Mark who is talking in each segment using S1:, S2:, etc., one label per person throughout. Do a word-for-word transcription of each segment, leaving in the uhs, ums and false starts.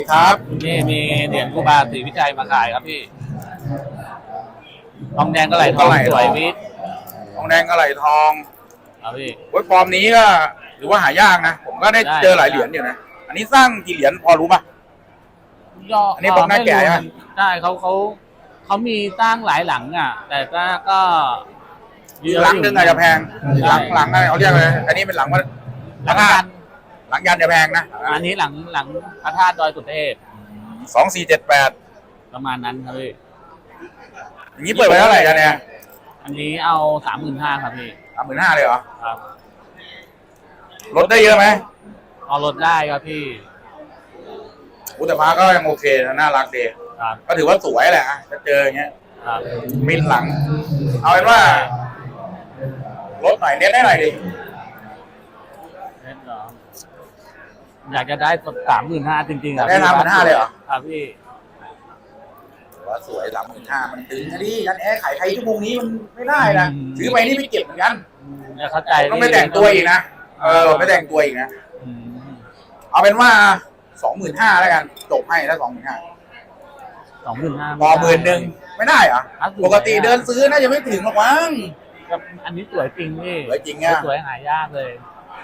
S1: ครับ
S2: นี่มีเหรียญครูบาศรีวิชัยมาขายครับพี่ทองแดงก็ไหลทองสวยวิทย์
S1: ทองแดงกระไหลทอง
S2: ครับพี่
S1: เว้ยฟอร์มนี้ก็ถือว่าหายากนะผมก็ได้เจอหลายเหรียญอยู่นะอันนี้สร้างกี่เหรียญพอรู้ป่ะอันนี้บอกหน้าแก่ใช่ไหม
S2: ใช่เขาเขาเขามีสร้างหลายหลังอ่ะแต่ก็ก็
S1: หลังนึงอาจจะแพงหลังหลังอะไรเขาเรียกอะไรอันนี้เป็นหลังว่า
S2: หลังยัน
S1: หลังยันจะแพงนะ
S2: อันนี้หลังหลังพระธาตุดอยสุเทพ
S1: สองสี่เจ็ดแปด
S2: ประมาณนั้นครับพี่
S1: อย่างนี้เปิดไปเท่าไหร่กันเนี่ย
S2: อันนี้เอาสามหมื่นห้าครับพี่
S1: สามหมื่นห้าเลยเหรอ
S2: ครับ
S1: ลดได้เยอะไหม
S2: เอาลดได้ครับพี่
S1: อุตตมะก็ยังโอเคนะน่ารักดีก็ถือว่าสวยแหละจะเจออย่างเงี้ยมินหลังเอาเป็นว่าลดหน่อยเน้นได้หน่อยดิ
S2: เน้นเหรออยากจะได้สามหมื่นห้าจริงๆครับ
S1: ได้สามหมื่นห้าเลยเหรอ
S2: ครับพี่
S1: ว่าสวยสามหมื่นห้ามันตึงนะดิยันแอร์ขายใครชั่วโมงนี้มันไม่ได้นะซื้อไปนี่ไม่เก็บเหมือนกัน
S2: เข้าใจ
S1: ต้องไม่แต่งตัวอีกนะเออไม่แต่งตัวอีกนะเอาเป็นว่าสองหมื่นห้าแล้วกันจบให้แล้วสองหมื่นห้า
S2: สองหมื่นห้า
S1: พอหมื่นหนึ่งไม่ได้เหรอปกติเดินซื้อน่าจะไม่ถึงหรอกมั้ง
S2: อันนี้สวยจริงพี่
S1: สวยจริงอ่ะ
S2: สวยหายากเลย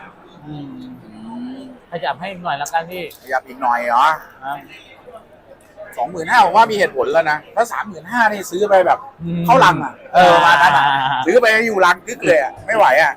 S2: ขยับให้หน่อยแล้วกันพี่
S1: ขยับอีกหน่อยเหรอสองหมื่นห้าผมว่ามีเหตุผลแล้วนะถ้าสามหมื่นห้านี่ซื้อไปแบบเข้าลังอ่ะเออมาตั้งซื้อไปอยู่ลังกึกเลยอ่ะไม่ไหวอ่ะ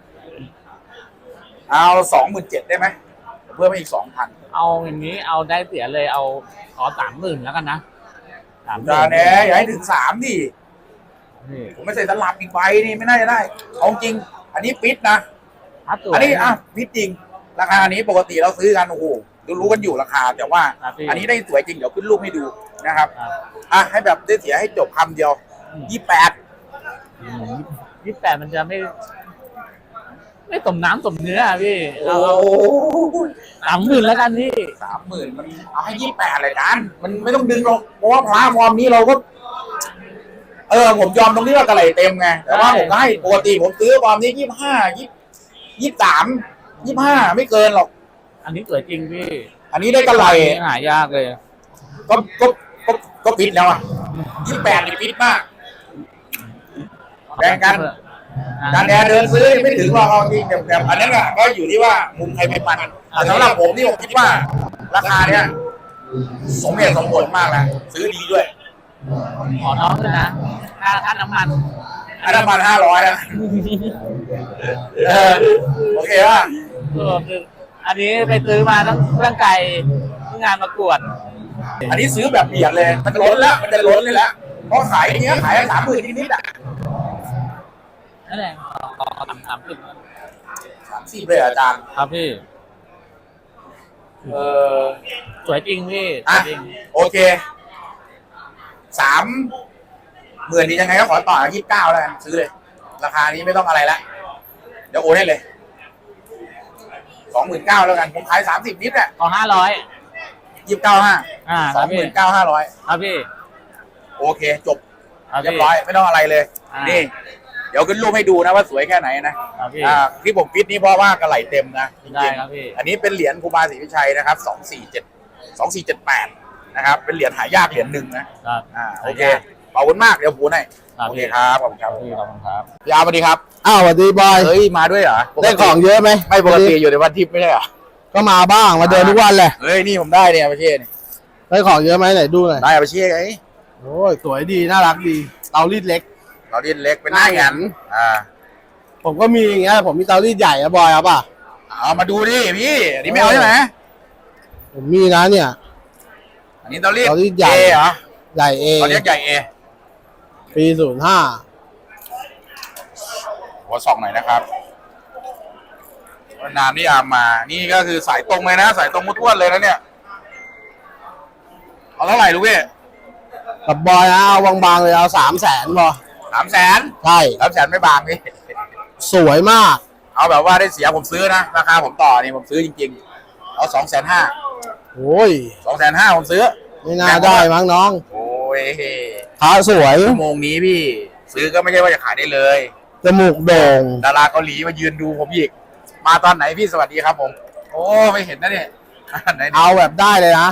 S1: เอาสองหมื่นเจ็ดได้ไหมเพิ่มไปอีกสองพัน
S2: เอาอย่างนี้เอาได้เสียเลยเอาขอสามหมื่นแล้วกันนะ
S1: สามจานแน่อย่าให้ถึงสามดิผมไม่ใส่ตลับอีกใบนี่ไม่น่าจะได้เอาจริงอันนี้ปิดนะอันนี้อ่ะปิดจริงราคานี้ปกติเราซื้อกันโอ้โหรู้กันอยู่ราคาแต่ว่าอันนี้ได้สวยจริงเดี๋ยวขึ้นรูปให้ดูนะครับอ่ะให้แบบได้เสียให้จบคำเดียวยี่แปด
S2: ยี่แปดมันจะไม่ไม่สมน้ำสมเนื้อพี่
S1: เอา
S2: สามหมื่นแล้วกันพี่
S1: สามหมื่นมันเอาให้ยี่แปดเลยกันมันไม่ต้องดึงหรอกเพราะว่าพระฟอร์มนี้เราก็เออผมยอมตรงที่ว่ากระไหลเต็มไงแต่ว่าผมก็ให้ปกติผมซื้อฟอร์มนี้ยี่ห้ายี่ยี่สามยี่ห้าไม่เกินหรอก
S2: อันนี้สวยจริงพี่
S1: อันนี้ได้กระไหล
S2: หายากเลย
S1: ก็ก็ก็ก็ปิดแล้วอ่ะยี่แปดนี่ปิดมากแบ่งกันการแอร์เดินซื้อไม่ถึงหรอกเอาจริงแบบอันนั้นอ่ะก็อยู่ที่ว่ามุมใครไม่มันแต่สำหรับผมนี่ผมคิดว่าราคาเนี้ยสมเหตุสมผลมากนะซื้อดีด้วย
S2: ขอน้องเลยนะค่าค่าน้ำมัน
S1: ค่าน้ำมันห้าร้อยนะโอเคป่ะ
S2: อันนี้ไปซื้อมาต้องเรื่องไก่งานประกวด
S1: อันนี้ซื้อแบบเบียดเลยมันล้นแล้วมันจะล้นเลยแล้วเพราะขายอย่างเงี้ยขายสามหมื่นนิดๆอ่ะ
S2: นั่นแหละสามสามสิบ
S1: สามสิบเลยอาจารย์
S2: ครับพี่
S1: เออ
S2: สวยจริงพี่
S1: จริงโอเคสามหมื่นนี้ยังไงก็ขอต่อยี่สิบเก้าแล้วกันซื้อเลยราคานี้ไม่ต้องอะไรละเดี๋ยวโอนให้เลยสองหมื่นเก้าแล้วกันผมขายสามสิบนิดแหละ
S2: ขอห้าร้อย
S1: ยี่สิบเก้าห้าสองหมื่นเก้าห้าร้อย
S2: ครับพี่
S1: โอเคจบเรียบร้อยไม่ต้องอะไรเลยนี่เดี๋ยวขึ้นรูปให้ดูนะว่าสวยแค่ไหนนะที่ผมฟิตนี่เพราะว่ากระไหลเต็มนะจริงๆอันนี้เป็นเหรียญครูบาศรีวิชัยนะครับสองสี่เจ็ดสองสี่เจ็ดแปดนะครับเป็นเหรียญหายากเหรียญหนึ่งนะอ่าโอเคขอบคุณมากเดี๋ยวพูดให้โอเคครับขอบคุณครับ
S2: ขอบคุณครับ
S1: ยาวสวัสดีครับ
S3: อ้าวสวัสดีบอย
S1: เฮ้ยมาด้วยเหรอ
S3: ได้ของเยอะไหม
S1: ไม่ปกติอยู่ในวันทิพย์ไม่ใช่เหรอ
S3: ก็มาบ้างมาเดินทุกวันเลย
S1: เฮ้ยนี่ผมได้เนี่ยอาเช่เนี่ย
S3: ได้ของเยอะไหมไหนดูหน่อย
S1: ได้อาเช่ไง
S3: โอ้ยสวยดีน่ารักดีเตารีดเล็ก
S1: เตารีดเล็กเป็นหน้าหยันอ่า
S3: ผมก็มีอย่างเงี้ยผมมีเตารีดใหญ่อะบอยเอาป่ะ
S1: เอามาดูดิพี่อันนี้ไม่เอาใช่ไหม
S3: ผมมีนะเนี่ย
S1: อันนี้เตารีด
S3: เตารีดใหญ่
S1: เหรอ
S3: ใหญ่เอ
S1: เขาเรียกใหญ่เอ
S3: ปีศูนย์ห้า
S1: หัวสองหน่อยนะครับนามนี่อามานี่ก็คือสายตรงเลยนะสายตรงมุดท้วนเลยนะเนี่ยเอาเท่าไหร่ลูกพี่
S3: กับบอยนะเอาบางๆเลยเอาสามแสนพอ
S1: สามแสน
S3: ใช่
S1: สามแสนไม่บางพี่
S3: สวยมาก
S1: เอาแบบว่าได้เสียผมซื้อนะราคาผมต่อนี่ผมซื้อจริงๆเอาสองแสนห้า
S3: โอ้ย
S1: สองแสนห้าผมซื้อ
S3: ไม่น่าได้มั้งน้อง
S1: โอ้ย
S3: ขาสวย
S1: ชั่วโมงนี้พี่ซื้อก็ไม่ใช่ว่าจะขายได้เลย
S3: จมูกโด่ง
S1: ดาราเกาหลีมายืนดูผมอีกมาตอนไหนพี่สวัสดีครับผมโอ้ไม่เห็นนะเนี่ย
S3: เอาแบบได้เลยนะ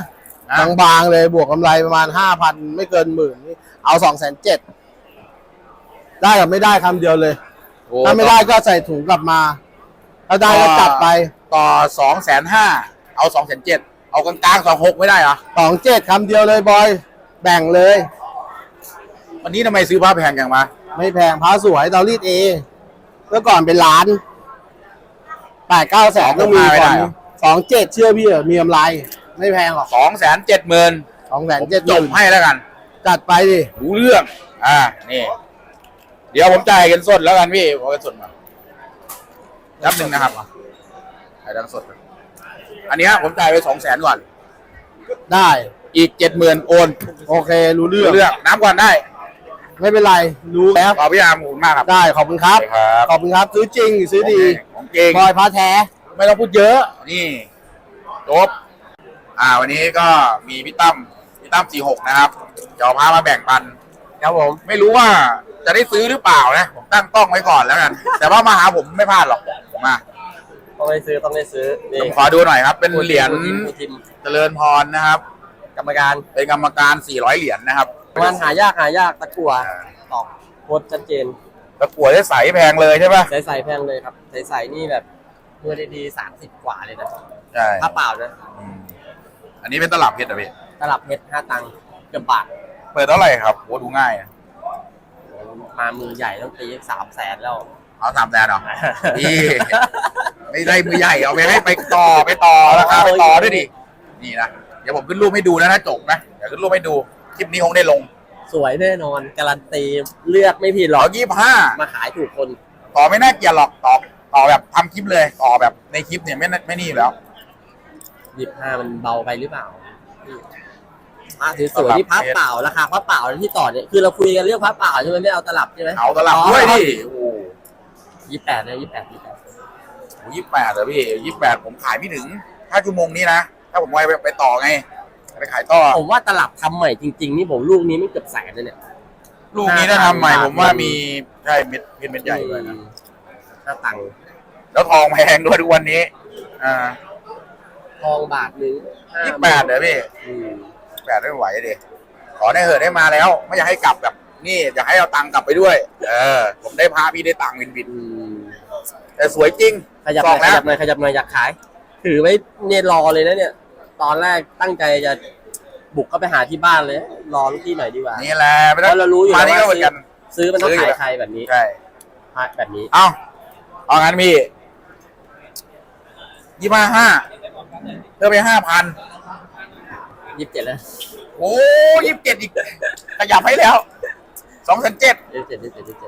S1: นะ
S3: บางๆเลยบวกกำไรประมาณห้าพันไม่เกินหมื่นนี่เอาสองแสนเจ็ดได้กับไม่ได้คำเดียวเลย
S1: โอ้
S3: ถ้าไม่ได้ก็ใส่ถุงกลับมาถ้าได้ก็จัดไป
S1: ต่อสองแสนห้าเอาสองแสนเจ็ดเอากลางๆสองหกไม่ได้เหรอ
S3: สองเจ็ดคำเดียวเลยบอยแบ่งเลย
S1: วันนี้ทำไมซื้อผ้าแพงจังมา
S3: ไม่แพงพระสวยเตารีดเองเมื่อก่อนเป็นล้านแปดเก้าแสนต้องมีก่อนสองเจ็ดเชื่อพี่เหรอมีกำไร ไม่แพงหรอก
S1: สองแสนเจ็ดหมื่น
S3: สองแสนเจ็ดห
S1: จบ
S3: มื่น
S1: ให้แล้วกัน
S3: จัดไปดิ
S1: รู้เรื่อง อ่า นี่ เดี๋ยวผมจ่ายเงินสดแล้วกันพี่เอาเงินสดมานับหนึ่งนะครับจ่ายเงินสด อันเนี้ยผมจ่ายไปสองแสนก่อน
S3: ได้
S1: อีกเจ็ดหมื่นโอน
S3: โอเครู้เรื่อง
S1: รู้เรื่อง น้ำก่อนได้
S3: ไม่เป็นไรรู้แล้ว
S1: ขอบพี่อามขอบคุณมากครับ
S3: ได้ขอบคุณครับ
S1: ครับ
S3: ขอบคุณครับซื้อจริงซื้อดี
S1: ของเก่ง
S3: บอยพระแท้
S1: ไม่ต้องพูดเยอะ นี่จบ อ่า วันนี้ก็มีพี่ตั้ม พี่ตั้มสี่หกนะครับจะเอาพามาแบ่งปัน
S3: ครับผม
S1: ไม่รู้ว่าจะได้ซื้อหรือเปล่านะ ผมตั้งต้องไว้ก่อนแล้วกัน แต่ว่ามาหาผมไม่พลาดหรอก มา
S4: ต้องได้ซื้อต้องได้ซื้อ
S1: ผมขอดูหน่อยครับ เป็นเหรียญ
S4: ผู้ทีม
S1: เจริญพรนะครับ
S4: กรรมการ
S1: เป็นกรรมการสี่ร้อยเหรียญนะครับ
S4: มันหายากหายากตะกั่วตอกโคตรชัดเจน
S1: ตะกั่วได้ใสแพงเลยใช่ปะ
S4: ใสๆแพงเลยครับใสๆนี่แบบเมื่อดีๆสามสิบกว่าเลยนะ
S1: ใช่
S4: ถ้าเปล่านะ
S1: อืมอันนี้เป็นตลับเพชรอะพี่
S4: ตลับเพชรห้าตังค์เกือบบาท
S1: เปิดเท่าไหร่ครับโหดูง่ายอะ
S4: มามือใหญ่ต้องตีสามแสนแล้ว
S1: เอาสามแสนเหรอ พี่ไม่ได้มือใหญ่เอาไปให้ไปต่อไปต่อราคาไปต่อด้วยดิ นี่นะ เดี๋ยวผมขึ้นรูปให้ดูนะถ้าจบนะ เดี๋ยวขึ้นรูปให้ดู คลิปนี้คงได้ลง
S4: สวยแน่นอนการันตีเลือกไม่ผิดหร
S1: ร้
S4: อ
S1: อก ยยี่สิบห้า
S4: มาขายถูกคน
S1: ต่อไม่น่าเกลียดหรอกต่อต่อแบบทำคลิปเลย ต่อแบบในคลิปเนี่ยไม่น่าไม่นี่อยู่แล้ว
S4: ยี่สิบห้ามันเบาไปหรือเปล่าพระสวยๆที่พับเปล่าราคาพับเปล่าที่ต่อเนี่ยคือเราคุยกันเรื่องพับเปล่าใช่ไหมไม่เอาตลับใช่ไหม
S1: เอาตลับด้วยดิโอ้โห
S4: ยี่สิบแปดนะยี่สิบแปดยี่สิบแปด
S1: ยี่สิบแปดเหรอพี่ยี่สิบแปดผมขายไม่ถึงถ้าชั่วโมงนี้นะ ถ้าผมไปไปต่อไง ไปขายต่อ
S4: ผมว่าตลับทำใหม่จริงๆนี่ผมลูกนี้ไม่เกือบแสนเลยเนี่ย
S1: ลูกนี้ถ้าทำใหม่ผมว่ามีใช่เม็ดเพชรเม็ดใหญ่ด้วยนะ
S4: ห้าตังค์
S1: แล้วทองแพงด้วยทุกวันนี้ อ่า
S4: ทองบาทหนึง
S1: ยี่สิบแปดเหรอพี่
S4: อืม
S1: แปดไม่ไหวดิขอได้เหอะได้มาแล้ว ไม่อยากให้กลับแบบ นี่อยากให้เอาตังค์กลับไปด้วย เออ ผมได้พาพี่ได้ตังค์บินบิน
S4: อืม
S1: แต่สวยจริง
S4: ขยับ
S1: ส
S4: ห
S1: อ
S4: น่
S1: ง
S4: อยข
S1: แล้ว
S4: ยับหน่อยขยับหน่อยอยากขาย ถือไว้เนี่ยรอเลยนะเนี่ย ตอนแรกตั้งใจจะบุกเข้าไปหาที่บ้านเลย รอลูกพี่หน่อยดีกว่า
S1: นี่แหละไม่
S4: เพ
S1: ต้อง
S4: ราะเรารู้อยู่
S1: มา
S4: แล้ว
S1: นี่ก็เหมื
S4: ว่า
S1: อนกัน
S4: ซื้อมันต้อง
S1: ซื้ออยู่
S4: ขาย
S1: แล้ว
S4: ใครแบบนี้
S1: ใช่
S4: แบบนี้
S1: เอาเอางั้นพี่ยี่ห้าห้าเพิ่มไปห้าพัน
S4: ยี่สิบเจ็ดแล้ว
S1: โอ้ยี่สิบเจ็ดอีก ขยับให้แล้วสองแสนเจ็ด
S4: ยี่สิบเจ็ดยี่สิบเจ็ดยี่สิบเจ็ด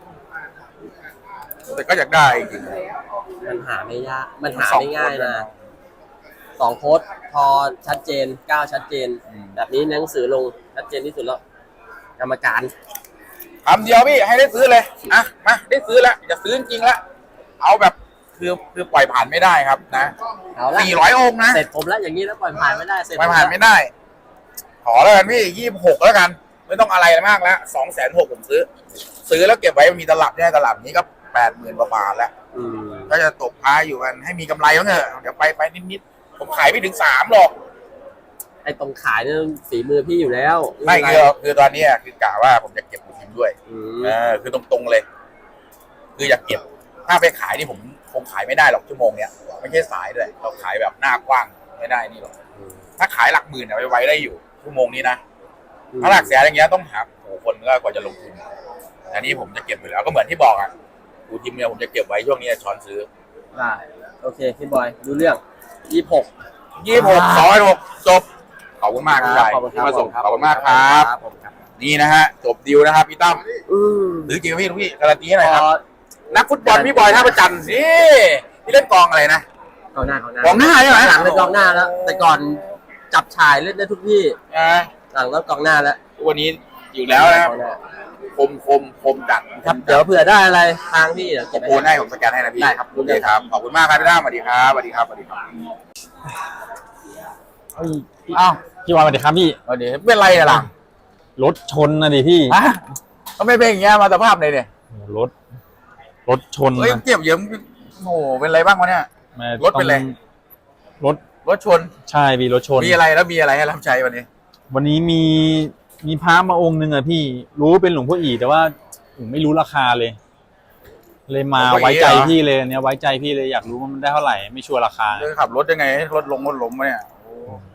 S1: แต่ก็อยากได้จริง
S4: มันหาไม่ยากมันหา
S1: สอง
S4: ไม่ง่าย
S1: คน
S4: นะ
S1: นะ
S4: สองโค้ดพอชัดเจนก้าวชัดเจน
S1: อืม
S4: แบบนี้หนังสือลงชัดเจนที่สุดแล้ว กรรมการ
S1: คำเดียวพี่ให้ได้ซื้อเลยอ่ะมาได้ซื้อแล้วจะซื้อจริงๆแล้วเอาแบบคือคือปล่อยผ่านไม่ได้ครับนะ
S4: เอาละ
S1: สี่ร้อยองค์นะ
S4: เสร็จผมแล้วอย่างนี้แล้วปล่อยผ่านไม่ได้เสร็จ
S1: ปล่อยผ่านไม่ได้ ขอแล้วกันพี่ยี่สิบหกแล้วกัน ไม่ต้องอะไรมากแล้วสองแสนหกผมซื้อ ซื้อแล้วเก็บไว้มีตลับเนี่ยตลับนี้ก็แปดหมื่นกว่าบาทแล้ว
S4: อืม
S1: ก็จะตกท้ายอยู่กันให้มีกำไรบ้างเถอะเดี๋ยวไปไปนิดๆผมขายไม่ถึงสามหรอก
S4: ไอ้ตรงขายเนี่ยฝีมือพี่อยู่แล้ว
S1: ไม่คือคือตอนเนี้ยคือกะว่าผมจะเก็บหมูทิมด้วย
S4: อืม
S1: เออคือตรงๆเลย คืออยากเก็บ ถ้าไปขายนี่ผมคงขายไม่ได้หรอกชั่วโมงเนี้ยไม่ใช่สายด้วยเราขายแบบหน้ากว้างไม่ได้นี่หรอกถ้าขายหลักหมื่นเนี่ยไว้ไว้ได้อยู่ชั่วโมงนี้นะถ้าหลักแสนอย่างเงี้ยต้องหาโอ้โหคนก็กว่าจะลงทุนอันนี้ผมจะเก็บอยู่แล้วก็เหมือนที่บอกอ่ะหมูทิมเนี่ยผมจะเก็บไว้ช่วงนี้ช้อนซื้อ
S4: ได้โอเคพี่บอยดูเรื่องยี่สิบหก
S1: ยี่สิบหกสองหกจบขอบคุณมากคุณชาย
S4: ขอบคุณค
S1: ที่
S4: รับ
S1: มาส่งขอบคุณมากครับ
S4: ผมครับ
S1: นี่นะฮะจบดีลนะครับพี่ตั้ม
S4: อืม
S1: หรือจริงไหมพี่ลูกพี่การันตีให้หน่อย
S4: พ
S1: ครับ
S4: อ
S1: นักฟุตบอลพี่บอยท่าประจันทร์สิพี่เล่นกองอะไรนะ
S4: กองหน้ากองหน้าก
S1: องหน้าใช่ไหม
S4: หลังเป็นกองหน้าแล้ว แต่ก่อนจับฉายเล่นได้ทุกที่
S1: อ่า
S4: หลังแล้วกองหน้าแล้ว
S1: วันนี้อยู่แล้วนะครับ
S4: กองหน้า
S1: คมคมคมจัด
S4: ครับเดี๋ยวเผื่อได้อะไรทางพี่เดี๋ยวเก็บ
S1: โอนให้ผมสแกนให้นะพี่
S4: ได้ครับ
S1: โอเคครับขอบคุณมากครับพี่ตั้มสวัสดีครับสวัสดีครับสวัสดีครับ
S5: อ้าวพี่วานสวัสดีครับพี่
S1: สวัสดีเป็นไรอะล่ะ
S5: รถชนนะดิพี่
S1: ฮะก็ไม่เป็นอย่างเงี้ยมาสภาพเลยเนี่ย
S5: รถรถชน
S1: เฮ้ย
S5: นะ
S1: เจ็บเยอะโอ้โหเป็นไรบ้างวะเนี่ย
S5: แม่
S1: รถเป็นไร
S5: ต้องรถ
S1: รถชน
S5: ใช่พี่รถชน
S1: มีอะไรแล้วมีอะไรให้รับใช้วันนี้
S5: วันนี้มีมีพระมาองค์หนึ่งอะพี่รู้เป็นหลวงพ่ออีแต่ว่าผมไม่รู้ราคาเลย เลยมาไว้ใจพี่เลยเนี่ยไว้ใจพี่เลยอยากรู้ว่ามันได้เท่าไหร่ไม่ชัวร์ราคา
S1: จะขับรถยังไงให้รถลงรถล้มวะเนี่ยโอ้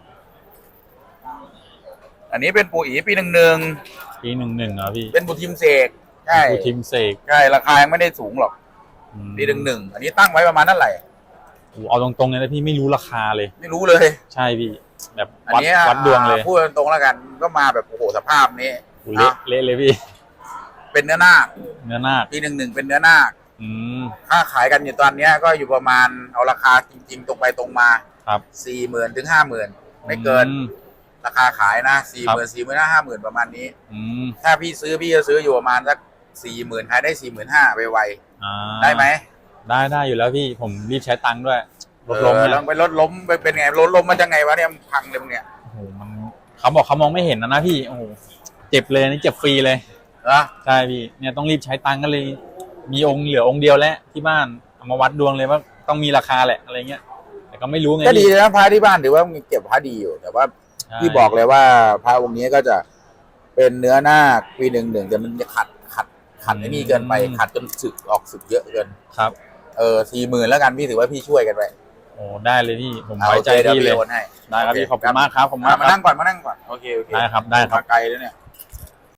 S1: อันนี้เป็นปู่อีปีหนึ่งหนึ่ง
S5: ปีหนึ่งหนึ่งเหรอพี่
S1: เป็นบุทิมเสกใช่
S5: กูทิมเสก
S1: ใช่ราคายังไม่ได้สูงหรอก
S5: อืม
S1: ปีหนึ่งหนึ่งอันนี้ตั้งไว้ประมาณเท่าไหร่
S5: โอ้เอาตรงๆเลยนะพี่ไม่รู้ราคาเลย
S1: ไม่รู้เลย
S5: ใช่พี่แบบ
S1: อัน
S5: วัด
S1: นี้
S5: วัดดวงเลย
S1: พูดตรงๆแล้วกันก็มาแบบโอ้โหสภาพนี้
S5: โอ้เละเละเลยพี่
S1: เป็นเนื้อนาค
S5: เนื้อนาค
S1: ปีหนึ่งหนึ่งเป็นเนื้อนาค
S5: อืม
S1: ค่าขายกันอยู่ตอนเนี้ยก็อยู่ประมาณเอาราคาจริงๆตรงไปตรงมา
S5: ครับ
S1: สี่หมื่นถึงห้าหมื่นไม่เกิน
S5: อืม
S1: ราคาขายนะสี่หมื่นสี่หมื่นห้าห้าหมื่นประมาณนี้
S5: อืม
S1: ถ้าพี่ซื้อพี่จะซื้ออยู่ประมาณสักสี่หมื่นขายได้สี่หมื่นห้าไปไว
S5: อ่า
S1: ๆได้ไหม
S5: ได้ได้อยู่แล้วพี่ผมรีบใช้ตังค์ด้วยรถ
S1: เอ
S5: ล้ม
S1: อ
S5: เนี่ย
S1: ลองไปรถล้มไปเป็นไงรถล้มมันจะไงวะเนี่ยมันพังเลยมึงเนี่ย
S5: โอ้โหมันเขาบอกเขามองไม่เห็นนะนะพี่โอ้โหเจ็บเลยนี่เจ็บฟรีเลย
S1: เหรอ
S5: ใช่พี่เนี่ยต้องรีบใช้ตังค์ก็เลย มีองค์เหลือองค์เดียวแล้วที่บ้านเอามาวัดดวงเลยว่าต้องมีราคาแหละอะไรเงี้ย แต่ก็ไม่รู้ไง
S1: ก็ดี
S5: พี่
S1: นะพระที่บ้านถือว่ามีเก็บพระดีอยู่ แต่ว่า
S5: ใช่
S1: พี่บอกเลยว่าพระองค์นี้ก็จะเป็นเนื้อนาคปีหนึ่งหนึ่งแต่มันจะขัดขัดขัดไอ้นี่เกินไปขัดจนสึกออกสึกเยอะเกิน
S5: ครับ
S1: เออสี่หมื่นแล้วกันพี่ถือว่าพี่ช่วยกันไป
S5: โอ้ได้เลยพี่ผม
S1: เอา
S5: ไว้
S1: โอ
S5: ใจ
S1: เคเดี๋ยว
S5: พี่เล
S1: พี่
S5: ย
S1: โอนให้
S5: ได้ครับพี่ขอบคุณมากครับขอบคุณาก
S1: มามมา
S5: ครั
S1: นั่
S5: บ
S1: งก่อนมานั่งก่อนโอเคโอเค
S5: ได้ครับได้ครับ
S1: มาไกลเลยเนี่ย